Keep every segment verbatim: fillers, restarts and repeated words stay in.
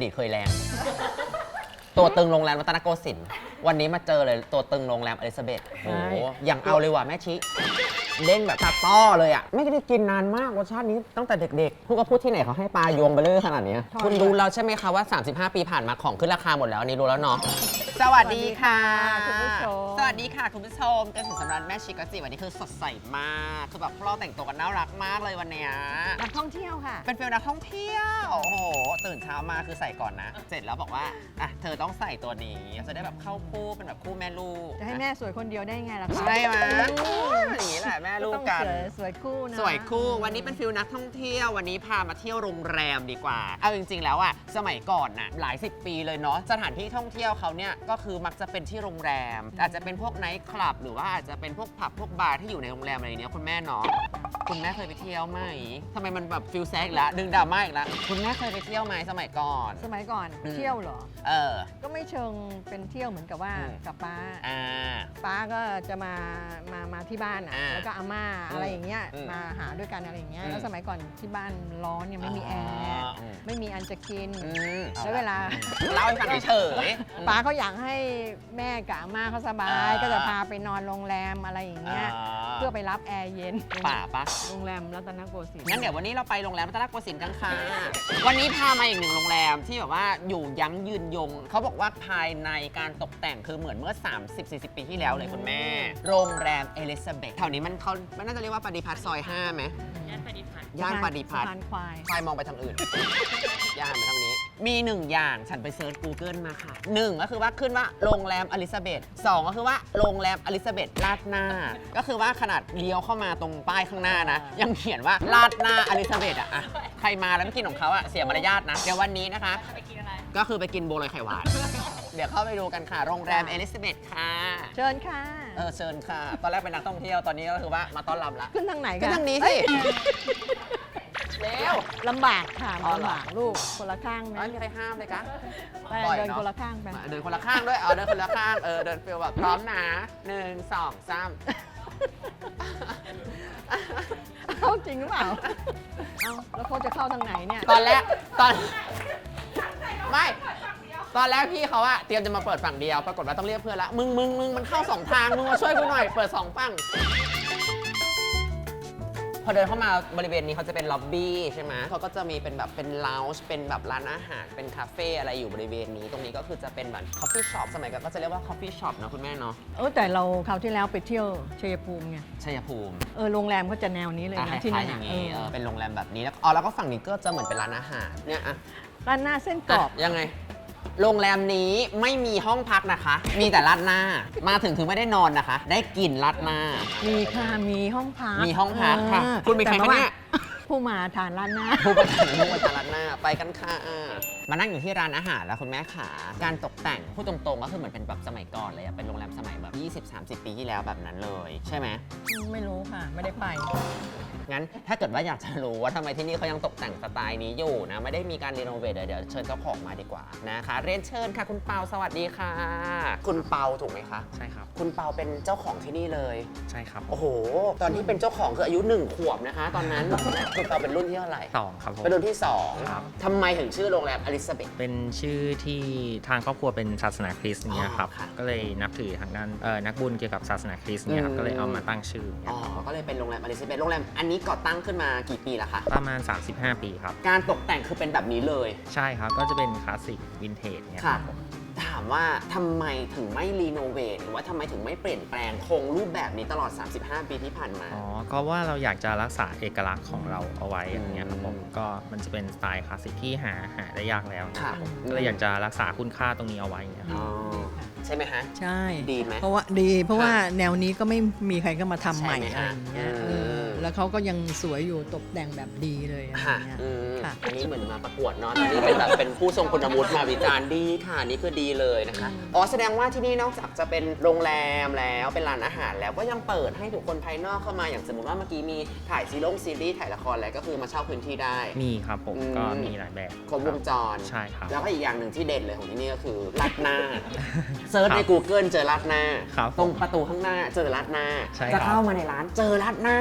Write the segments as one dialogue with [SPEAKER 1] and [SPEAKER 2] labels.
[SPEAKER 1] ดีตเคยแรง ตัวตึงโรงแรมรัตนโกสินทร์วันนี้มาเจอเลยตัวตึงโรงแรมอลิซาเบธโอ้โหอย่างเอาเลยว่ะแม่ชิเด้งแบบตาต้อเลยอ่ะไม่ได้กินนานมากรสชาตินี้ตั้งแต่เด็กๆพูดก็พูดที่ไหนเขาให้ปลาโยงไปเลยขนาดนี้คุณรู้แล้วใช่ไหมคะว่าสามสิบห้าปีผ่านมาของขึ้นราคาหมดแล้วอันนี้รู้แล้วเนาะสวัสดีค่ะ
[SPEAKER 2] คุณผู้ชม
[SPEAKER 1] สวัสดีค่ะคุณผู้ชมเกษตรสำราญแม่ชิกจิวันนี้คือสดใสมากคือแบบพวกเราแต่งตัวกันน่ารักมากเลยวันเนี้ย
[SPEAKER 2] นักท่องเที่ยวค่ะ
[SPEAKER 1] เป็นฟิลนักท่องเที่ยวโอ้โหตื่นเช้ามาคือใส่ก่อนนะ เสร็จแล้วบอกว่าอ่ะเธอต้องใส่ตัวนี้จะได้แบบเข้าคู่เป็นแบบคู่แม่ลูก
[SPEAKER 2] จะให้แม่สวยคนเดียวได้ไงล่ะคะ
[SPEAKER 1] ใช่ไหมอย่างนี้แหละแม่ลูกกัน
[SPEAKER 2] ต้องสวยสวยคู่นะ
[SPEAKER 1] สวยคู่วันนี้เป็นฟิลนักท่องเที่ยววันนี้พามาเที่ยวโรงแรมดีกว่าเอาจริงๆแล้วอะสมัยก่อนน่ะหลายสิบปีเลยเนาะสถานที่ท่องเที่ยวเขาเนี่ยก็คือมักจะเป็นที่โรงแรม อาจจะเป็นพวกไนท์คลับหรือว่าอาจจะเป็นพวกผับพวกบาร์ที่อยู่ในโรงแรมอะไรเนี้ยคุณแม่เนาะคุณแม่เคยไปเที่ยวไหมทำไมมันแบบฟิลแซกแล้วดึงดราม่าอีกแล้วคุณแม่เคยไปเที่ยวไหมสมัยก่อน
[SPEAKER 2] สมัยก่อน
[SPEAKER 1] อืม
[SPEAKER 2] เที่ยวเหรอ
[SPEAKER 1] เออ
[SPEAKER 2] ก็ไม่เชิงเป็นเที่ยวเหมือนกับว่า
[SPEAKER 1] อืม
[SPEAKER 2] กับป้า
[SPEAKER 1] อ่า
[SPEAKER 2] ป้าก็จะมามามาที่บ้านอ่ะ
[SPEAKER 1] อ่า
[SPEAKER 2] แล้วก็อาม่าอะไรอย่างเงี้ย
[SPEAKER 1] อืม
[SPEAKER 2] มาหาด้วยกันอะไรอย่างเงี้ย
[SPEAKER 1] อืม
[SPEAKER 2] แล้วสมัยก่อนที่บ้านร้อนเนี่ยไม่มีแอร์
[SPEAKER 1] อืม
[SPEAKER 2] ไม่มีอันจะกิน
[SPEAKER 1] อืม
[SPEAKER 2] แล้วเวลา
[SPEAKER 1] เล่าให้ฟังเฉยๆ
[SPEAKER 2] ป้าเขาอยากให้แม่กับอาม่าเขาสบาย
[SPEAKER 1] อ่า
[SPEAKER 2] ก็จะพาไปนอนโรงแรมอะไรอย่างเงี้ย เพื่อไปรับแอร์เย็น
[SPEAKER 1] ป่าปะ
[SPEAKER 2] โรงแรมรัตนโกสินทร์
[SPEAKER 1] งั้นเดี๋ยววันนี้เราไปโรงแรมรัตนโกสินทร์กันค่ะ วันนี้พามาอีกหนึ่งโรงแรมที่แบบว่าอยู่ยั้งยืนยง เขาบอกว่าภายในการตกแต่งคือเหมือนเมื่อ สามสิบสี่สิบ ปีที่แล้วเลยคุณแม่ โรงแรมเอลิซาเบธแถวนี้มันเขามันน่าจะเรียกว่าปฏิพัฒน์ซอยห้าไหมย่านปฏิพัฒน์ย่านปฏิพัฒน์
[SPEAKER 2] สะพานควาย
[SPEAKER 1] ควายมองไปทางอื่น ย่านไปทางนี้ มีหนึ่งอย่างฉันไปเซิร์ช Google มาค่ะหนึ่งก็คือว่าขึ้นว่าโรงแรมอลิซาเบธสองก็คือว่าโรงแรมอลิซาเบธลาดหน้า ก็คือว่าขนาดเลี้ยวเข้ามาตรงป้ายข้างหน้านะ ยังเขียนว่าลาดหน้าอลิซาเบธอะอะใครมาแล้วไม่กินของเขาอะเสียมารยาทนะ เดี๋ยววันนี้นะคะก็คือไปกินโบวลอยไข่หวาน เดี๋ยวเข้าไปดูกันค่ะ โรงแรมเอลิซาเบธค่ะ
[SPEAKER 2] เชิญค่ะ
[SPEAKER 1] เออเชิญค่ะ ตอนแรกเป็นนักท่องเที่ยวตอนนี้ก็คือว่ามาต้อนรับละ
[SPEAKER 2] ขึ้นทางไหน
[SPEAKER 1] ก็
[SPEAKER 2] คะ
[SPEAKER 1] ทางนี้
[SPEAKER 2] เอ้
[SPEAKER 1] สิ
[SPEAKER 2] ย
[SPEAKER 1] เร็ว
[SPEAKER 2] ลำบากค่ะ
[SPEAKER 1] อ๋อเหรอ
[SPEAKER 2] ลำบากลูกคนละข้างไหม
[SPEAKER 1] ไม่มีใครห้ามเลยคะ
[SPEAKER 2] ไป
[SPEAKER 1] ปล่อย
[SPEAKER 2] เดิน
[SPEAKER 1] เนอะ
[SPEAKER 2] คนละข้างไป
[SPEAKER 1] มาเดินคนละข้างด้วย เอาเดินคนละข้าง เออ เดินฟิลแบบพร้อมนะหนึ่งสองสาม
[SPEAKER 2] เข้าจริงหรือเปล่า เอ้าแล้วเขาจะเข้าทางไหนเนี่ย
[SPEAKER 1] ตอนแรก ตอน ไม่ ตอนแรกพี่เขาอะเตรียมจะมาเปิดฝั่งเดียว ปรากฏว่าต้องเรียกเพื่อนละ มึงมึงมึงมันเข้าสองทาง มึงมาช่วยกูหน่อย เปิดสองฝั่ง พอเดินเข้ามาบริเวณนี้เขาจะเป็นล็อบบี้ใช่ไหมเขาก็จะมีเป็นแบบเป็นลาวจ์เป็นแบบร้านอาหาร เป็นคาเฟ่อะไรอยู่บริเวณนี้ ตรงนี้ก็คือจะเป็นแบบคอฟฟี่ช็อป สมัยก่อนก็จะเรียกว่าคอฟฟี่ช็อปนะคุณแม่เนาะ
[SPEAKER 2] เออแต่เราคราวที่แล้วไปเที่ยวชัยภูมิไง
[SPEAKER 1] ชัยภูมิ
[SPEAKER 2] เออโรงแรมก็จะแนวนี้เลย
[SPEAKER 1] อ่ะ
[SPEAKER 2] นะ
[SPEAKER 1] ค
[SPEAKER 2] ที่
[SPEAKER 1] ล้า
[SPEAKER 2] นั่
[SPEAKER 1] ย
[SPEAKER 2] น
[SPEAKER 1] ๆอ
[SPEAKER 2] น่ะ
[SPEAKER 1] ย่าง
[SPEAKER 2] เอ
[SPEAKER 1] นี้
[SPEAKER 2] อ
[SPEAKER 1] เออเป็นโรงแรมแบบนี้แล้วอ๋อแล้วก็ฝั่งนี้ก็จะเหมือนเป็นร้านอาหารเนี่ยอะ
[SPEAKER 2] ร้านหน้าเส้นกรอบ
[SPEAKER 1] ะยังไง โรงแรมนี้ไม่มีห้องพักนะคะ มีแต่ราดหน้า มาถึงคือไม่ได้นอนนะคะ ได้กลิ่นราดหน้า
[SPEAKER 2] มีค่ะมีห้องพัก
[SPEAKER 1] มีห้องพักค่ะ
[SPEAKER 2] ออ
[SPEAKER 1] คุณเป็นใคร
[SPEAKER 2] แต่
[SPEAKER 1] คะ
[SPEAKER 2] ว่า
[SPEAKER 1] เนี่ย
[SPEAKER 2] ผู้มาทานร้านหน้า
[SPEAKER 1] ผู้ประกาศมุ่งมาจากร้านหน้าไปกันค่ะมานั่งอยู่ที่ร้านอาหารแล้วคุณแม่ขาการตกแต่งพูดตรงๆก็คือเหมือนเป็นแบบสมัยก่อนเลยอะเป็นโรงแรมสมัยแบบ ยี่สิบสามสิบ ปีที่แล้วแบบนั้นเลยใช่ไหม
[SPEAKER 2] ไม่รู้ค่ะ ไม่ได้ไป
[SPEAKER 1] งั้นถ้าเกิดว่าอยากจะรู้ว่าทำไมที่นี่เขายังตกแต่งสไตล์นี้อยู่นะไม่ได้มีการรีโนเวทเดี๋ยวเชิญเจ้าของมาดีกว่านะคะเรียนเชิญค่ะคุณเปาสวัสดีค่ะ คุณเปาถูกไหมคะ
[SPEAKER 3] ใช่ครับ
[SPEAKER 1] คุณเปาเป็นเจ้าของที่นี่เลย
[SPEAKER 3] ใช่ครับ
[SPEAKER 1] โอ้โห ตอนที่เป็นเจ้าของคืออายุหนึ่งขวบนะคะ ตอนนั้น คุณเปาเป็นรุ่นที่เท่าไหร่
[SPEAKER 3] สองครับผม
[SPEAKER 1] เป็นรุ่นที่สอง
[SPEAKER 3] ครับ
[SPEAKER 1] ทำไมถึงชื่อโรงแรมอลิซาเบธ
[SPEAKER 3] เป็นชื่อที่ทางครอบครัวเป็นศาสนาคริสต์เนี่ยครับ
[SPEAKER 1] อ๋อค่ะ
[SPEAKER 3] ก็เลยนับถือทางด้านเอ่อนักบุญเกี่ยวกับศาสนาคริสต์เนี่ยครั
[SPEAKER 1] อื
[SPEAKER 3] บ
[SPEAKER 1] ม
[SPEAKER 3] ก็เลยเอามาตั้งชื่อเนี่
[SPEAKER 1] อ๋
[SPEAKER 3] ย
[SPEAKER 1] อ
[SPEAKER 3] ครับ
[SPEAKER 1] ก็เลยเป็นโรงแรมอลิซาเบธโรงแรมอันนี้ก่อตั้งขึ้นมากี่ปีแล้วคะ
[SPEAKER 3] ประมาณ สามสิบห้า ปีครับ
[SPEAKER 1] การตกแต่งคือเป็นแบบนี้เลย
[SPEAKER 3] ใช่ครับ ก็จะเป็นคลาสสิกวินเทจเนี่ยค
[SPEAKER 1] ค่ะ
[SPEAKER 3] รับผม
[SPEAKER 1] ถามว่าทำไมถึงไม่รีโนเวทหรือว่าทำไมถึงไม่เปลี่ยนแปลงคงรูปแบบนี้ตลอด สามสิบห้า ปีที่ผ่านมา
[SPEAKER 3] อ๋อ ก็ว่าเราอยากจะรักษาเอกลักษณ์ของเราเอาไว้อย่างเงี้ยครับผม
[SPEAKER 1] อืม
[SPEAKER 3] ก็มันจะเป็นสไตล์คลาสสิกที่หาหาได้ยากแล้วนะค
[SPEAKER 1] ค่ะ
[SPEAKER 3] รับผมก็เลยอยากจะรักษาคุณค่าตรงนี้เอาไว้อย่างเงี้ยครับ
[SPEAKER 1] อ๋อใช่ไหมฮะ
[SPEAKER 2] ใช่
[SPEAKER 1] ดีไหม
[SPEAKER 2] เพราะว่าดีเพราะว่า
[SPEAKER 1] ค่ะ
[SPEAKER 2] แนวนี้ก็ไม่มีใครก็มาทำใหม่
[SPEAKER 1] ใช่ไหม
[SPEAKER 2] อะไร
[SPEAKER 1] ฮะ
[SPEAKER 2] อย่างเงี้ย
[SPEAKER 1] อืม
[SPEAKER 2] เออแล้วเขาก็ยังสวยอยู่ตกแต่งแบบดีเลยอะไรอ
[SPEAKER 1] ค่ะ
[SPEAKER 2] ย่างเงี้ย
[SPEAKER 1] อืม
[SPEAKER 2] ค่ะ
[SPEAKER 1] อันนี้เหมือนมาประกวดเนาะตอนนี้เป็นแบบเป็นผู้ทรงคุณวุฒิมาวิจารณ์ดีค่ะนี่คือดีเลยนะคะ อ๋อแสดงว่าที่นี่นอกจากจะเป็นโรงแรมแล้วเป็นร้านอาหารแล้วก็ยังเปิดให้บุคคลภายนอกเข้ามาอย่างสมมติว่าเมื่อกี้มีถ่ายซีรีส์ซีรีส์ถ่ายละครอะไรก็คือมาเช่าพื้นที่ได้
[SPEAKER 3] มีครับผม
[SPEAKER 1] อืม
[SPEAKER 3] ก็มีหลายแบบ
[SPEAKER 1] ครบวงจร
[SPEAKER 3] ใช่ครับ
[SPEAKER 1] แล้วก็อีกอย่างหนึ่งที่เด่นเลยของที่นี่ก็คือราดหน้า เซิร์ชใน
[SPEAKER 3] ครับ
[SPEAKER 1] Google เจอราดหน้า
[SPEAKER 3] ครับ
[SPEAKER 1] ตรงประตูข้างหน้าเจอราดหน้า
[SPEAKER 3] ใช่ครับ
[SPEAKER 1] จะเข้ามาในร้านเจอราดหน้า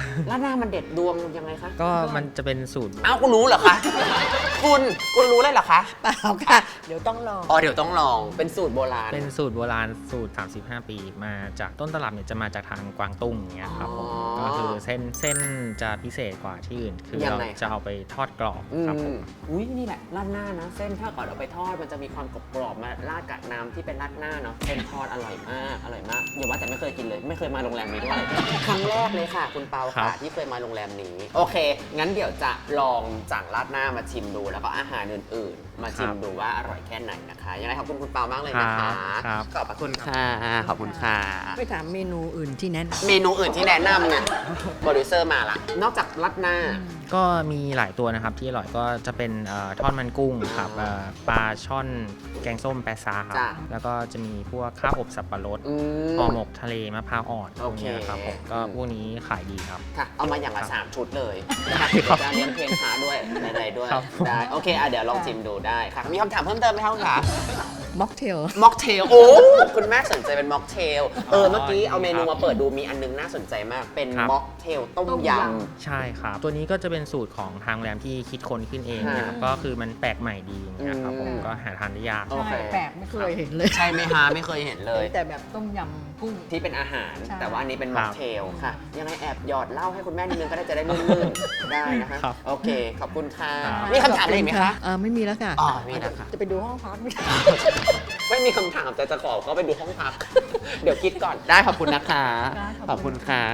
[SPEAKER 1] ราดหน้ามันเด็ดดวงยังไงคะ
[SPEAKER 3] ก็มันจะเป็นสูตร
[SPEAKER 1] อ้าวคุณรู้เหรอคะ คุณคุณรู้เลยเหรอคะ
[SPEAKER 2] เปล่าค่ะ เดี๋ยวต้องลอง
[SPEAKER 1] อ๋อเดี๋ยวต้องลองเป็นสูตรโบราณ
[SPEAKER 3] เป็นสูตรโบราณสูตร สามสิบห้า ปีมาจากต้นตลับเนี่ยจะมาจากทางกวางตุ้งอย่างเงี้ยครับผม
[SPEAKER 1] อ๋อ
[SPEAKER 3] ก็คือเส้นเส้นจะพิเศษกว่าที่อื่น คือ
[SPEAKER 1] ยัง
[SPEAKER 3] เรา
[SPEAKER 1] ไง
[SPEAKER 3] จะเอาไปทอดกรอบ
[SPEAKER 1] อื
[SPEAKER 3] ครับผม
[SPEAKER 1] มอุ้ยนี่แหละราดหน้านะ เส้นถ้าก่อนเอาไปทอดมันจะมีความกรอบๆมาราดกับน้ำที่เป็นราดหน้าเนาะเส้นทอดอร่อยมากอร่อยมากอย่าว่าแต่ไม่เคยกินเลยไม่เคยมาโรงแรมนี้ด้วยครั้งแรกเลยค่ะ คุณเปา
[SPEAKER 3] ครั
[SPEAKER 1] ค่ะ
[SPEAKER 3] บ
[SPEAKER 1] ที่เคยมาโรงแรมนี้ โอเค งั้นเดี๋ยวจะลองจากราดหน้ามาชิมดู แล้วก็อาหารอื่นๆ มาชิมดูว่าอร่อยแค่ไหนนะคะยังไงขอบคุณคุณเปามากเลยนะคะ
[SPEAKER 3] ครับ
[SPEAKER 1] ขอบพระคุณค่ะขอบคุณค่ะ
[SPEAKER 2] ไม่ถามเมนูอื่นที่แนะน
[SPEAKER 1] เมนูอื่นที่แนะนำเนี่ยโปรดิวเซอร์มาละนอกจากราดหน้า
[SPEAKER 3] ก็มีหลายตัวนะครับที่อร่อยก็จะเป็นเอ่อทอดมันกุ้งครับเอ่อปลาช่อนแกงส้มแปะซาครับ
[SPEAKER 1] จ้ะ
[SPEAKER 3] แล้วก็จะมีพวกข้าวอบสับปะรด
[SPEAKER 1] อืม
[SPEAKER 3] ห่อหมกทะเลมะพร้าวอ่อนพ
[SPEAKER 1] โอ
[SPEAKER 3] วก
[SPEAKER 1] เค
[SPEAKER 3] เนี้ยครับผมก็พวกนี้ขายดีครับ
[SPEAKER 1] ค่ะ เอามาอย่างละ
[SPEAKER 3] ครับ
[SPEAKER 1] สามชุดเลยนะคะ
[SPEAKER 3] ครับ
[SPEAKER 1] จะเลี้ยงเพลงพาด้วยอะไรๆด้วย
[SPEAKER 3] ครับ
[SPEAKER 1] ได้โอเคอ่ะเดี๋ยวลองชิมดูได้ค่ะมีคำถามเพิ่มเติมไหมคะคุณขา
[SPEAKER 2] ำม็อกเทล
[SPEAKER 1] ม็อกเทลโอ้คุณแม่สนใจเป็นม็อกเทลเออเมื่อกี้เอาเมนูมาเปิดดูมีอันนึงน่าสนใจมากเป็น
[SPEAKER 3] ครับ
[SPEAKER 1] ม็อกเทลต้ม
[SPEAKER 2] ต้ม
[SPEAKER 1] ย
[SPEAKER 2] ย
[SPEAKER 3] ใช่ครับ ตัวนี้ก็จะเป็นสูตรของทางโรงแรมที่คิดค้นขึ้นเองนะครับ
[SPEAKER 1] ค่ะ
[SPEAKER 3] ก็คือมันแปลกใหม่ดีอย่างเงี้ยครับผม
[SPEAKER 1] อืม
[SPEAKER 3] ก็หาทานได้ยาก
[SPEAKER 1] โอเค
[SPEAKER 2] ใช่แปลกไม่เคยเห็นเลย
[SPEAKER 1] ำใช่ไหมฮะไม่เคยเห็นเลย
[SPEAKER 2] แต่แบบต้มยำกุ้ง
[SPEAKER 1] ที่เป็นอาหาร
[SPEAKER 2] ใช่
[SPEAKER 1] แต่ว่าอันนี้เป็น
[SPEAKER 3] ครั
[SPEAKER 1] ม็อบ กเทลค่ะ ยังไงแอบหยอดเหล้าให้คุณแม่นิดนึงก็ได้จะได้ลื่นๆ ได้นะคะ
[SPEAKER 3] ครับ
[SPEAKER 1] โอเค ขอบคุณค่ะ
[SPEAKER 3] ครับ
[SPEAKER 1] มีคำถามอะไรอีกไหมคะ
[SPEAKER 2] อ่าไม่มีแล้วค่ะ
[SPEAKER 1] อ๋อมีแล้วค่ะ
[SPEAKER 2] จะไปดูห้องพักไหม
[SPEAKER 1] ไม่มีคำถามแต่จะขอก็ไปดูห้องพัก เดี๋ยวคิดก่อนได้ขอบคุณนะคะ
[SPEAKER 2] ได้ขอบคุณ
[SPEAKER 1] ขอบคุณค่ะ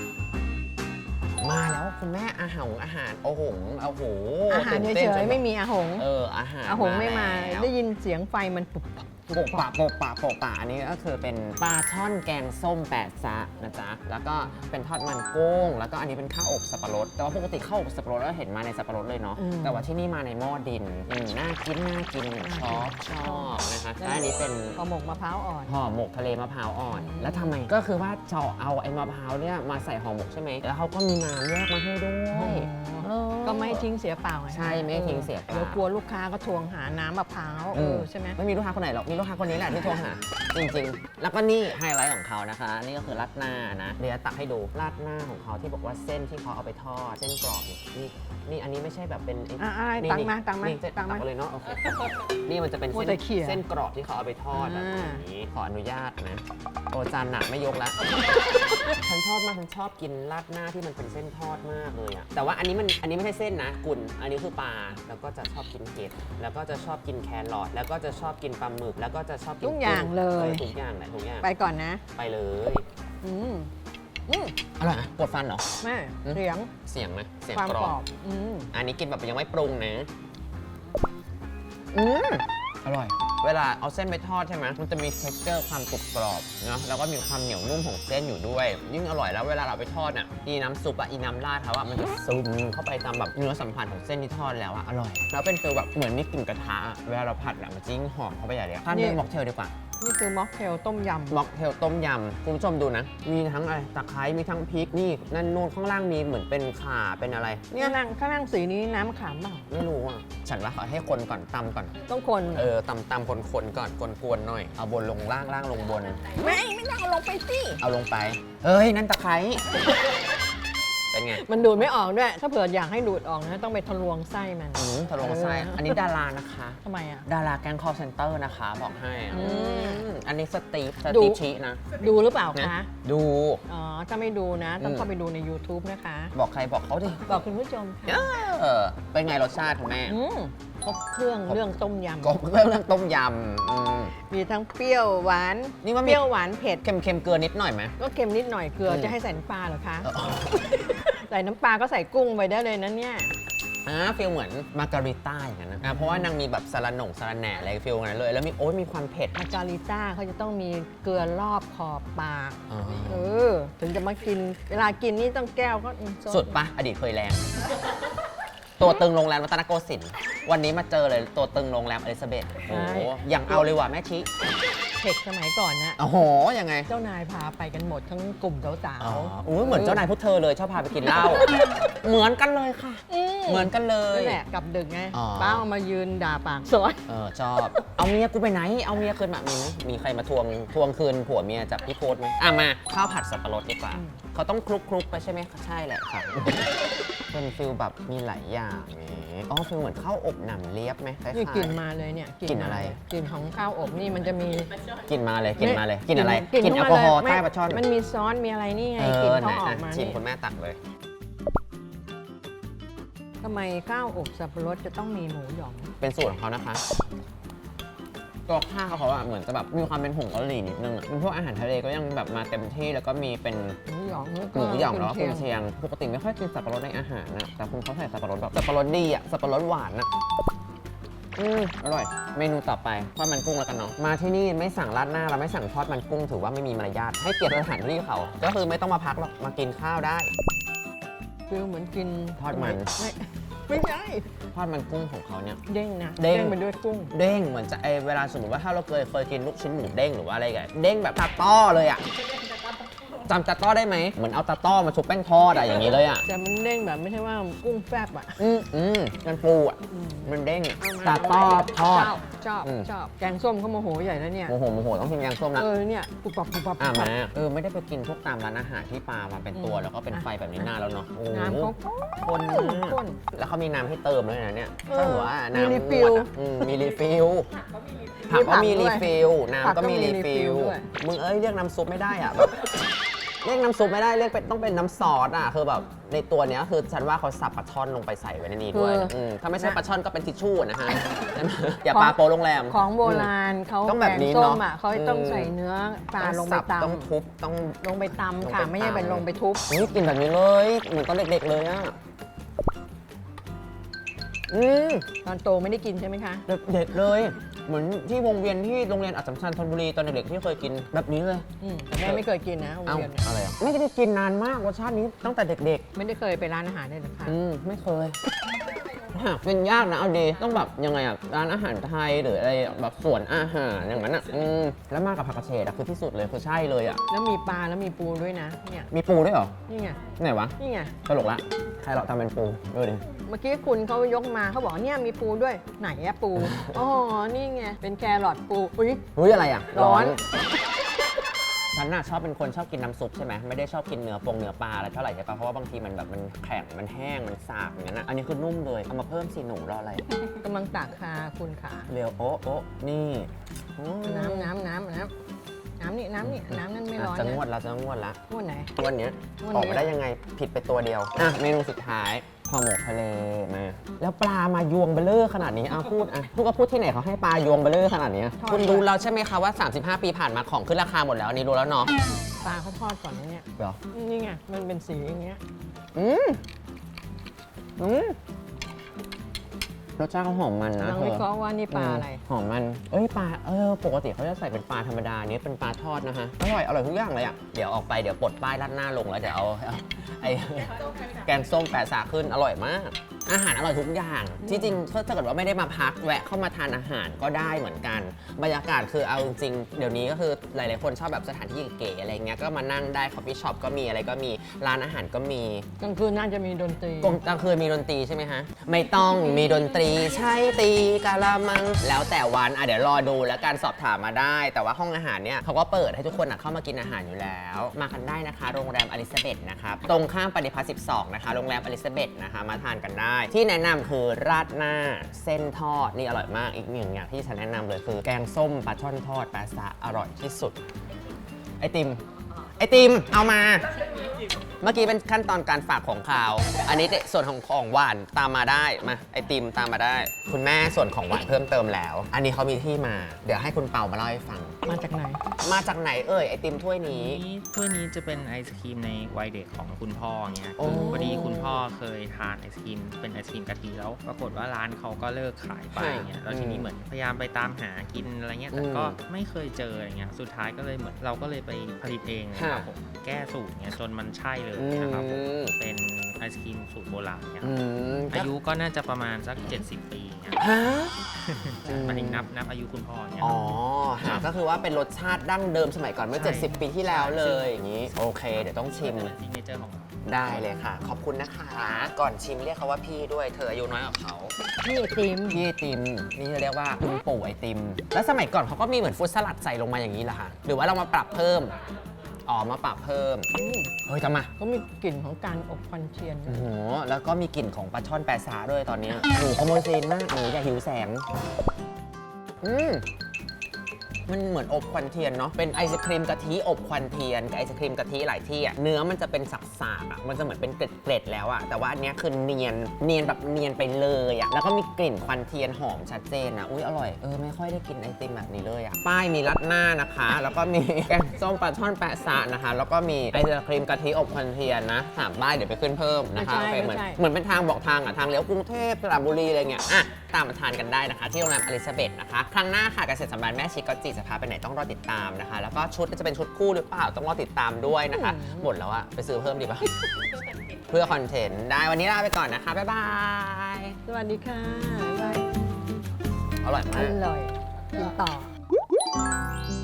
[SPEAKER 1] มาแล้วคุณแม่อาหารอาหารโอ้โหโอ้โห
[SPEAKER 2] อาหาร
[SPEAKER 1] ตื่น
[SPEAKER 2] เฉ
[SPEAKER 1] ต้นจ
[SPEAKER 2] ย
[SPEAKER 1] น
[SPEAKER 2] ๆไม่มีอาหง
[SPEAKER 1] เอออาหาร
[SPEAKER 2] อาหงไม่มา
[SPEAKER 1] แล้ว
[SPEAKER 2] ได้ยินเสียงไฟมันปุบปับ
[SPEAKER 1] โปะปะโปะปะโปะปะอันนี้ก็คือเป็นปลาช่อนแกงส้มแปดซะนะจ๊ะ แล้วก็เป็นทอดมันกุ้ง แล้วก็อันนี้เป็นข้าวอบสับปะรด แต่ว่าปกติข้าวอบสับปะรดเราเห็นมาในสับปะรดเลยเนาะ แต่ว่าที่นี่มาในหม้อดินอืมน่ากินน่ากินชอบชอบนะคะและอันนี้เป็น
[SPEAKER 2] ห่อหมกมะพร้าวอ่อน
[SPEAKER 1] ห่อหมกทะเลมะพร้าวอ่อน แล้วทำไมก็คือว่าเจาะเอาไอ้มะพร้าวเนี่ยมาใส่ห่อหมกใช่ไหมแล้วเขาก็มีน้ำแยกมาให้ด้วยเออ
[SPEAKER 2] ก็ไม่ทิ้งเสียเปล่าไง
[SPEAKER 1] ใช่ไม่ทิ้งเสียเปล่า
[SPEAKER 2] เดี๋ยวกลัวลูกค้าก็ทวงหาน้ำมะพร้าวเออใช่ไหม
[SPEAKER 1] ไม่มีลูกค้าคนไหนหรอก มีลูกค้าคนนี้แหละที่โทรหา จริงๆ แล้วก็นี่ไฮไลท์ของเขานะคะ นี่ก็คือราดหน้านะ เดี๋ยวตักให้ดูราดหน้าของเขาที่บอกว่าเส้นที่เขาเอาไปทอด เส้นกรอบนี่นี่นี่อันนี้ไม่ใช่แบบเป็นไอ้
[SPEAKER 2] อ่ะอะไร
[SPEAKER 1] นี่
[SPEAKER 2] ตัง
[SPEAKER 1] นี่
[SPEAKER 2] มาตังมา
[SPEAKER 1] นี่เส้น
[SPEAKER 2] ตังมา
[SPEAKER 1] ตักเลยเนาะโอเคนี่มันจะเป็น
[SPEAKER 2] มัว
[SPEAKER 1] เส้น
[SPEAKER 2] แต่เขี่ย
[SPEAKER 1] เส้นกรอบที่เขาเอาไปทอดแบบ
[SPEAKER 2] อ่า
[SPEAKER 1] นี้ขออนุญาตนะ โอจานหนักไม่ยกแล้ว ฉันชอบมากฉันชอบกินราดหน้าที่มันเป็นเส้นทอดมากเลยอะแต่ว่าอันนี้มันอันนี้ไม่ใช่เส้นนะกุนอันนี้คือปลาแล้วก็จะชอบกินเห็ดแล้วก็จะชอบกินแครอทแล้วก็จะชอบกินปลาหมึกแล้วก็จะชอบกิน
[SPEAKER 2] ทุกอย่างเลย
[SPEAKER 1] ออทุกอย่างแหละทุกอย่าง
[SPEAKER 2] ไปก่อนนะ
[SPEAKER 1] ไปเลย
[SPEAKER 2] อืมอืม
[SPEAKER 1] อร่อยนะปวดฟันเหรอ
[SPEAKER 2] แม่
[SPEAKER 1] อืม
[SPEAKER 2] เสียง
[SPEAKER 1] เสียงนะเสียง
[SPEAKER 2] ความ
[SPEAKER 1] กร
[SPEAKER 2] กร
[SPEAKER 1] อ
[SPEAKER 2] อ
[SPEAKER 1] บบ
[SPEAKER 2] อืม
[SPEAKER 1] อันนี้กินแบบยังไม่ปรุงนะอืมอร่อย เวลาเอาเส้นไปทอดใช่ไหมมันจะมี texture ความกรุบกรอบเนาะแล้วก็มีความเหนียวนุ่มของเส้นอยู่ด้วย ยิ่งอร่อยแล้วเวลาเราไปทอดอ่ะอีน้ำซุปอ่ะอีน้ำราดเขาอ่ะมันจะซึมเข้าไปตามแบบเนื้อสัมผัสของเส้นที่ทอดแล้วอ่ะอร่อย แล้วเป็นฟีลแบบเหมือนมีกลิ่นกระทะอะเวลาเราผัดอ่ะมันจะยิ่งหอมเข้าไปใหญ่เลยทานเป็นม็อกเทลดีกว่า
[SPEAKER 2] นี่คือม็อกเทลต้มยำ
[SPEAKER 1] ม็อกเทลต้มยำคุณผู้ชมดูนะ มีทั้งอะไรตะไคร้มีทั้งพริกนี่นั่นนู่นข้างล่างมีเหมือนเป็นข่าเป็นอะไร
[SPEAKER 2] เนี่ยนั่งข้างนั่งสีนี้น้ำมะขามเปล่า
[SPEAKER 1] ไม่รู้อ่ะฉันว่าขอให้คนก่อนตำก่อน
[SPEAKER 2] ต้องคน
[SPEAKER 1] เออตำตำคนคนๆก่อนกวนๆหน่อยเอาบนลงล่างล่างลงบน
[SPEAKER 2] ไม่ไม่ต้องเอาลงไปสิ
[SPEAKER 1] เอาลงไปเอ้ยนั่นตะไคร้เป็นไง
[SPEAKER 2] มันดูดไม่ออกด้วย ถ้าเผื่ออยากให้ดูดออกนะต้องไปทะลวงไส้มัน
[SPEAKER 1] อืมทะลงไส้
[SPEAKER 2] เอออั
[SPEAKER 1] อันนี้ดารานะคะ
[SPEAKER 2] ทำไมอ่ะ
[SPEAKER 1] ดาราแก๊งคอเซ็นเตอร์นะคะ บอกให้อะ
[SPEAKER 2] อืม
[SPEAKER 1] อืมอันนี้สตีฟส
[SPEAKER 2] ดู
[SPEAKER 1] ตีฟชีนะ
[SPEAKER 2] ดูหรือเปล่าคะ
[SPEAKER 1] ดู
[SPEAKER 2] อ๋อ ถ้าไม่ดูนะ ต้อง
[SPEAKER 1] อืม
[SPEAKER 2] เข้าไปดูใน YouTube นะคะ
[SPEAKER 1] บอกใครบอกเขาดิ
[SPEAKER 2] บอกคุณผู้ชมค่ะ
[SPEAKER 1] เออเป็นไงรสชาติคุณแม่
[SPEAKER 2] อืมครบเครื่องเรื่องต้มย
[SPEAKER 1] ก็เรื่องต้มยำอืม
[SPEAKER 2] ำมีทั้งเปรี้ยวหวาน
[SPEAKER 1] นี่ว่า
[SPEAKER 2] เป
[SPEAKER 1] มี
[SPEAKER 2] รี้ยวหวานเผ็ด
[SPEAKER 1] เค็มเค็มๆเกลือนิดหน่อยไหม
[SPEAKER 2] ก็เค็มนิดหน่อยเกลือ
[SPEAKER 1] อืม
[SPEAKER 2] จะให้ใส่น้ำปลาเหรอคะ
[SPEAKER 1] เออ
[SPEAKER 2] ใส่น้ำปลาก็ใส่กุ้งไปได้เลยนะเนี่ย
[SPEAKER 1] อ่าฟีลเหมือนมาการิต้าอย่างนั้นนะอ่าเพราะว่านางมีแบบสาระหน่งสาระแหน่อะไรฟีลนั้นเลย แล้วมีโอ้ยมีความเผ็ด
[SPEAKER 2] มาการิต้าเขาจะต้องมีเกลือรอบขอบปาก
[SPEAKER 1] อ๋อ
[SPEAKER 2] เออ ถึงจะมากิน เวลากินนี่ต้องแก้วก็อืม
[SPEAKER 1] สุดปะอดีตเคยแรง ตัวตึงโรงแรมรัตนโกสินทร์วันนี้มาเจอเลยตัวตึงโรงแรมอลิซาเบธโอ้โหอย่างเอาเลยว่ะแม่ชิ
[SPEAKER 2] เทคสมัยก่อนนะ
[SPEAKER 1] โอ้โหยังไง
[SPEAKER 2] เจ้านายพาไปกันหมดทั้งกลุ่มสาว
[SPEAKER 1] อ๋อ
[SPEAKER 2] ๆ
[SPEAKER 1] อุ้ยเหมือนเจ้านายพวกเธอเลยชอบพาไปกินเหล้า เหมือนกันเลยค่ะ เหมือนกันเลย
[SPEAKER 2] นั่นแหละกลับดึกไง
[SPEAKER 1] อ๋อ
[SPEAKER 2] ป้าเอามายืนด่าปากซอย
[SPEAKER 1] เออชอบ เอาเมียกูไปไหน เอาเมียคืนมามีไหมมีใครมาทวงทวงคืนผัวเมียจากพี่โพสไหมอ่ะมาข้าวผัดสับปะรดดีกว่า เขาต้องคลุกคลุกๆไปใช่ไหมคะใช่แหละค่ะ เป็นฟิลแบบมีหลายอย่างนี่อ๋อฟิลเหมือนข้าวอบหนำเลียบไหมคล้ายๆ
[SPEAKER 2] นี่กลิ่นมาเลยเนี่ย
[SPEAKER 1] กลิ่นอะไร
[SPEAKER 2] กลิ่นของข้าวอบนี่มันจะมี
[SPEAKER 1] กินมาเลยกินมาเลยกินอะไร
[SPEAKER 2] กลิ่น
[SPEAKER 1] กินแอลกอฮอล์
[SPEAKER 2] เข้ามาเลย
[SPEAKER 1] ใต้ปลาช่อน
[SPEAKER 2] มันมีซอสมีอะไรนี่ไง
[SPEAKER 1] เอก
[SPEAKER 2] ลิ่น
[SPEAKER 1] อไหน
[SPEAKER 2] เขาออก
[SPEAKER 1] อ่ะ
[SPEAKER 2] มา
[SPEAKER 1] ชิม
[SPEAKER 2] นี่
[SPEAKER 1] คุณแม่ตักเลย
[SPEAKER 2] ทำไมข้าวอบสับปะรดจะต้องมีหมูหยอง
[SPEAKER 1] เป็นสูตรของเขานะคะ ตัวข้าวเขาอะเหมือนจะแบบมีความเป็นผงกะหรี่นิดนึงอะเป็นพวกอาหารทะเลก็ยังแบบมาเต็มที่แล้วก็มีเป็น
[SPEAKER 2] หมูหยอง
[SPEAKER 1] หมูหยองแล้วก็
[SPEAKER 2] กุ
[SPEAKER 1] กุ
[SPEAKER 2] น
[SPEAKER 1] น
[SPEAKER 2] เชี
[SPEAKER 1] เชี
[SPEAKER 2] ยง
[SPEAKER 1] ยง ปกติไม่ค่อยกินสับปะรดในอาหารนะแต่คุณเขาใส่สับปะรดแบบสับปะรดดีอะสับปะรดหวานอะอืมอร่อย เมนูต่อไปทอดมันกุ้งแล้วกันเนาะ มาที่นี่ไม่สั่งราดหน้าเราไม่สั่งทอดมันกุ้งถือว่าไม่มีมารยาท ให้เกียรติสถานที่เขา ก็คือไม่ต้องมาพักหรอก มากินข้าวได้
[SPEAKER 2] ฟิลเหมือนกิน
[SPEAKER 1] ทอดมัน
[SPEAKER 2] ไม่ไม่ใช่
[SPEAKER 1] ทอดมันกุ้งของเขาเนี่ย
[SPEAKER 2] เด้งนะ
[SPEAKER 1] เด้ง
[SPEAKER 2] ไปด้วยกุ้ง
[SPEAKER 1] เด้งเหมือนจะไอเวลาสมมติว่าถ้าเราเคยเคยกินลูกชิ้นหมูเด้งหรือว่าอะไรกันเด้งแบบตาต้อเลยอ่ะจำตาต้อได้ไหมเหมือนเอาตาต้อมาชุบแป้งทอดอะอย่างนี้เลยอ่ะ
[SPEAKER 2] แต่มันเด้งแบบไม่ใช่ว่ากุ้งแฟบอ่ะ
[SPEAKER 1] อืมอืมมันปูอ่ะมันเด้ง
[SPEAKER 2] เอามา
[SPEAKER 1] ตาต้อทอด
[SPEAKER 2] ชอบชอบ
[SPEAKER 1] อืม
[SPEAKER 2] ชอบแกงส้มเขาโมโหใหญ่แล้วเนี่ย
[SPEAKER 1] โมโหโมโหต้องกินแกงส้มนะ
[SPEAKER 2] เออเนี่ยปุบปับปุบปับ
[SPEAKER 1] อ่ะ
[SPEAKER 2] ปุบปั
[SPEAKER 1] มา
[SPEAKER 2] บ
[SPEAKER 1] เออไม่ได้ไปกินพวกตามร้านอาหารที่ปลามาเป็นตัว
[SPEAKER 2] อืม
[SPEAKER 1] แล้วก็เป็นไฟแบบนี้นานแล้วเนาะโอ้โห
[SPEAKER 2] น้ำเขา
[SPEAKER 1] ข้นมาก
[SPEAKER 2] ข้น
[SPEAKER 1] แล้วเขามีน้ำให้เติมด้วยนะเนี่ย
[SPEAKER 2] เออ
[SPEAKER 1] ก็ถือว่าน้ำ
[SPEAKER 2] มีรีฟิล
[SPEAKER 1] นวดอะอืมมีรีฟิลผักก็มีรีฟิลน้ำก็มีรีฟิล
[SPEAKER 2] ด้วย
[SPEAKER 1] มึงเอ้ยเรียกน้ำซุปไม่ได้อ่ะแบบเรียกน้ำซุปไม่ได้เรียกเป็นต้องเป็นน้ำซอสอ่ะคือแบบในตัวเนี้ยคือฉันว่าเขาสับปลาช่อนลงไปใส่ไว้ในนี้ด้วยมถ้าไม่ใช่ปลาช่อนก็เป็นทิชชู่นะฮะใช่ไหมอย่าปลาโปโรงแรม
[SPEAKER 2] ของโบราณเขา
[SPEAKER 1] ต้องแบบนี้
[SPEAKER 2] กงส้
[SPEAKER 1] เนาะ
[SPEAKER 2] มอ่ะเขาต้องใส่เนื้อปลาลงไป
[SPEAKER 1] สับ
[SPEAKER 2] ต
[SPEAKER 1] ต้องทุบต้อง
[SPEAKER 2] ำลงไปตำ
[SPEAKER 1] ลง
[SPEAKER 2] ค่ะ
[SPEAKER 1] ไป
[SPEAKER 2] ไม่ใช่
[SPEAKER 1] ตำ
[SPEAKER 2] เป็นลงไปทุบ
[SPEAKER 1] นี่กินแบบนี้เลยเหมือนตอนเด็กๆเลยอ่ะอืม
[SPEAKER 2] ตอนโตไม่ได้กินใช่ไหมคะ
[SPEAKER 1] เด็กๆเลย เหมือนที่วงเวียนที่โรงเรียนอัสสัมชัญธนบุรีตอนเด็กๆที่เคยกินแบบนี้เลย
[SPEAKER 2] อืมแต่แม่ไม่เคยกินนะโรง
[SPEAKER 1] เอ้า
[SPEAKER 2] เรียนเนี่ย
[SPEAKER 1] อะไรอ่ะไม่ได้กินนานมากรสชาตินี้ตั้งแต่เด็ก
[SPEAKER 2] ไม่ได้เคยไปร้านอาหารเลยนะคะ
[SPEAKER 1] ๆ อืมไม่เคยหาเป็นยากนะเอาดีต้องแบบยังไงอ่ะร้านอาหารไทยหรืออะไรแบบสวนอาหารอย่างนั้นอ่ะอืมแล้วมากับผักกระเฉดอ่ะคือที่สุดเลยคือใช่เลยอ่ะ
[SPEAKER 2] แล้วมีปลาแล้วมีปูด้วยนะเนี่ย
[SPEAKER 1] มีปูด้วยเหรอ
[SPEAKER 2] นี่ไง
[SPEAKER 1] ไหนวะ
[SPEAKER 2] นี่ไง
[SPEAKER 1] ตลกละใครเราทำเป็นปูดูดิ
[SPEAKER 2] เมื่อกี้คุณเขายกมาเขาบอกเนี่ยมีปูด้วยไหนอะปู อ๋อนี่ไงเป็นแครอทปูอุ้ย
[SPEAKER 1] เฮ้ยอะไรอ่ะ
[SPEAKER 2] ร้อน
[SPEAKER 1] ฉันน่ะชอบเป็นคนชอบกินน้ำซุปใช่ไหมไม่ได้ชอบกินเนื้อปงเนื้อปลาอะไรเท่าไหร่ใช่ปะเพราะว่าบางทีมันแบบมันแข็งมันแห้งมันสาบอย่างนั้นนะอันนี้คือนุ่มเลยเอามาเพิ่มสีหนูรออะไร
[SPEAKER 2] กำลังตักค่ะคุณขา
[SPEAKER 1] เร็วโอ๊ะโอ๊ะนี่อืม
[SPEAKER 2] น้ำน้ำน้ำน้ำน้ำนี่น้ำนี่น้ำนั่นไม่ร้อน
[SPEAKER 1] จะ
[SPEAKER 2] นะ
[SPEAKER 1] งวดละจะงวดละ
[SPEAKER 2] งวดไหน
[SPEAKER 1] วันเนี้ย
[SPEAKER 2] วันนี้
[SPEAKER 1] ออกมาได้ยังไงผิดไปตัวเดียวอ่ะเมนูสุดท้ายห่อหมกทะเลมาแล้วปลามายวงเบลเลอร์ขนาดนี้อ่ะพูดอ่ะพูดก็พูดที่ไหนเขาให้ปลายวงเบลเลอร์ขนาดนี้คุณรู้แล้วใช่ไหมคะว่า สามสิบห้า ปีผ่านมาของขึ้นราคาหมดแล้วอันนี้รู้แล้วเนาะ
[SPEAKER 2] ปลาเขาทอดก่อนนะเนี่ย
[SPEAKER 1] เหรอ
[SPEAKER 2] นี่ไงมันเป็นสีอย่างเงี้ย
[SPEAKER 1] อืมอืมรสชาติเขาหอมมันนะ
[SPEAKER 2] กำลัง
[SPEAKER 1] เธ
[SPEAKER 2] วิ
[SPEAKER 1] อ
[SPEAKER 2] เคราะห์ว่านี่ปลาอะไร
[SPEAKER 1] หอมมัน เอ้ยปลา เออ ปกติเขาจะใส่เป็นปลาธรรมดาเนี้ยเป็นปลาทอดนะฮะ อร่อย อร่อยทุกอย่างเลยอ่ะ เดี๋ยวออกไปเดี๋ยวปลดป้ายราดหน้าลงแล้วเดี๋ยวเอาเอาไอ้แกงส้มแปะสาขึ้น อร่อยมาก อาหารอร่อยทุกอย่าง ที่จริงถ้าเกิดว่าไม่ได้มาพักแวะเข้ามาทานอาหารก็ได้เหมือนกัน บรรยากาศคือเอาจริงๆเดี๋ยวนี้ก็คือหลายๆคนชอบแบบสถานที่เก๋ๆอะไรเงี้ย ก็มานั่งได้คอฟฟี่ช็อปก็มีอะไรก็มี ร้านอาหารก็มี
[SPEAKER 2] กลางคืนน่าจะมีดนตรี
[SPEAKER 1] กลางคืนมีดนตรีใช่ไหมฮะ ไม่ต้องมีดนตรีใช่ตีกะละมัง แล้วแต่วันอ่ะเดี๋ยวรอดูแล้วการสอบถามมาได้ แต่ว่าห้องอาหารเนี่ยเขาก็เปิดให้ทุกคนอ่ะเข้ามากินอาหารอยู่แล้ว มากันได้นะคะ โรงแรมอลิซาเบธนะครับ ตรงข้ามปฏิพัฒน์สิบสองนะคะ โรงแรมอลิซาเบธนะคะ มาทานกันได้ ที่แนะนำคือราดหน้าเส้นทอดนี่อร่อยมากอีกหนึ่งอย่างที่ฉันแนะนำเลยคือ แกงส้มปลาช่อนทอดปลาซะอร่อยที่สุด ไอติม ไอติม เอามา เมื่อกี้เป็นขั้นตอนการฝากของคาว อันนี้ส่วนของของหวานตามมาได้ มาไอติมตามมาได้ คุณแม่ส่วนของหวานเพิ่มเติมแล้ว อันนี้เขามีที่มา เดี๋ยวให้คุณเปามาเล่าให้ฟัง
[SPEAKER 2] มาจากไหน
[SPEAKER 1] มาจากไหนเอ่ยไอติมถ้วยนี้
[SPEAKER 3] นี้ถ้วยนี้จะเป็นไอศครีมในวัยเด็กของคุณพ่อเงี้ย
[SPEAKER 1] โอ้
[SPEAKER 3] พอดีคุณพ่อเคยทานไอศครีมเป็นไอศครีมกะทิแล้ว ปรากฏว่าร้านเขาก็เลิกขายไปเงี้ยแล้วทีนี้เหมือนพยายามไปตามหากินอะไรเงี้ยแต่ก็ไม่เคยเจออะไรเงี้ยสุดท้ายก็เลยเหมือนเราก็เลยไปผลิตเองนะครับผมแก้สูตรเงี้ยจนมันใช่เลยนะครับผม
[SPEAKER 1] อืม
[SPEAKER 3] เป็นไอศครีมสูตรโบราณเนี่ย
[SPEAKER 1] อืม
[SPEAKER 3] อายุก็น่าจะประมาณสัก เจ็ดสิบ ปีเนี่ย
[SPEAKER 1] ฮะ
[SPEAKER 3] หมายถึงนับนับอายุคุณพ่อเนี่ย
[SPEAKER 1] อ๋อฮะก็คือว่าเป็นรสชาติดั้งเดิมสมัยก่อนเมื่อ
[SPEAKER 3] ใช่
[SPEAKER 1] เจ็ดสิบ ปีที่แล้วเลยอย่างนี้ โอเค เดี๋ยวต้องชิม
[SPEAKER 3] ซิกเนเจอร์ของเรา
[SPEAKER 1] ได้เลยค่ะ ขอบคุณนะคะ ก่อนชิมเรียกเขาว่าพี่ด้วย เธออายุน้อยกว่าเขา
[SPEAKER 2] นี่ไอติม
[SPEAKER 1] พี่ไอติม นี่จะเรียกว่าคุณปู่ไอติม แล้วสมัยก่อนเขาก็มีเหมือนฟรุตสลัดใส่ลงมาอย่างนี้เหรอคะหรือว่าเรามาปรับเพิ่ม อ๋อ มาปรับเพิ่ม
[SPEAKER 2] อืม
[SPEAKER 1] เฮ้ยทำไม
[SPEAKER 2] ก็มีกลิ่นของการอบควันเทียน
[SPEAKER 1] โอ้โห แล้วก็มีกลิ่นของปลาช่อนแปะซาด้วยตอนนี้ หนูขโมยซีนมาก หนูอย่าหิวแสง อืม มันเหมือนอบควันเทียนเนาะ เป็นไอศครีมกะทิอบควันเทียนกับไอศครีมกะทิหลายที่อะเนื้อมันจะเป็นสักๆอะมันจะเหมือนเป็นเกล็ดๆแล้วอะแต่ว่าอันเนี้ยคือเนียน เนียนแบบเนียนไปเลยอะแล้วก็มีกลิ่นควันเทียนหอมชัดเจนอะอุ้ยอร่อย เออไม่ค่อยได้กินไอติมแบบนี้เลยอะป้ายมีรัดหน้านะคะ แล้วก็มี แกงส้มปลาช่อนแปะซะนะคะ แล้วก็มีไอศครีมกะทิอบควันเทียนนะสามป้ายเดี๋ยวไปขึ้นเพิ่มนะคะ
[SPEAKER 2] ไม่ใช่
[SPEAKER 1] โอเคเหมือน
[SPEAKER 2] ไม่ใช่
[SPEAKER 1] เหมือนเป็นทางบอกทางอะทางเลี้ยวกรุงเทพสระบุรีอะไรเงี้ยอ่ะตามมาทานกันได้นะคะ ที่โรงแรมอลิซาเบธนะคะ ครั้งหน้าค่ะเกษตรสัมพันธ์แม่ชิคก็จีจะพาไปไหนต้องรอติดตามนะคะ แล้วก็ชุดจะเป็นชุดคู่หรือเปล่าต้องรอติดตามด้วยนะคะ หมดแล้วอะไปซื้อเพิ่มดีป่ะ เพื่อคอนเทนต์ได้วันนี้ลาไปก่อนนะคะ บ๊ายบาย
[SPEAKER 2] สวัสดีค่ะบ๊ายบาย
[SPEAKER 1] อร่อย
[SPEAKER 2] อ
[SPEAKER 1] มาก
[SPEAKER 2] ร่อยกินต่อ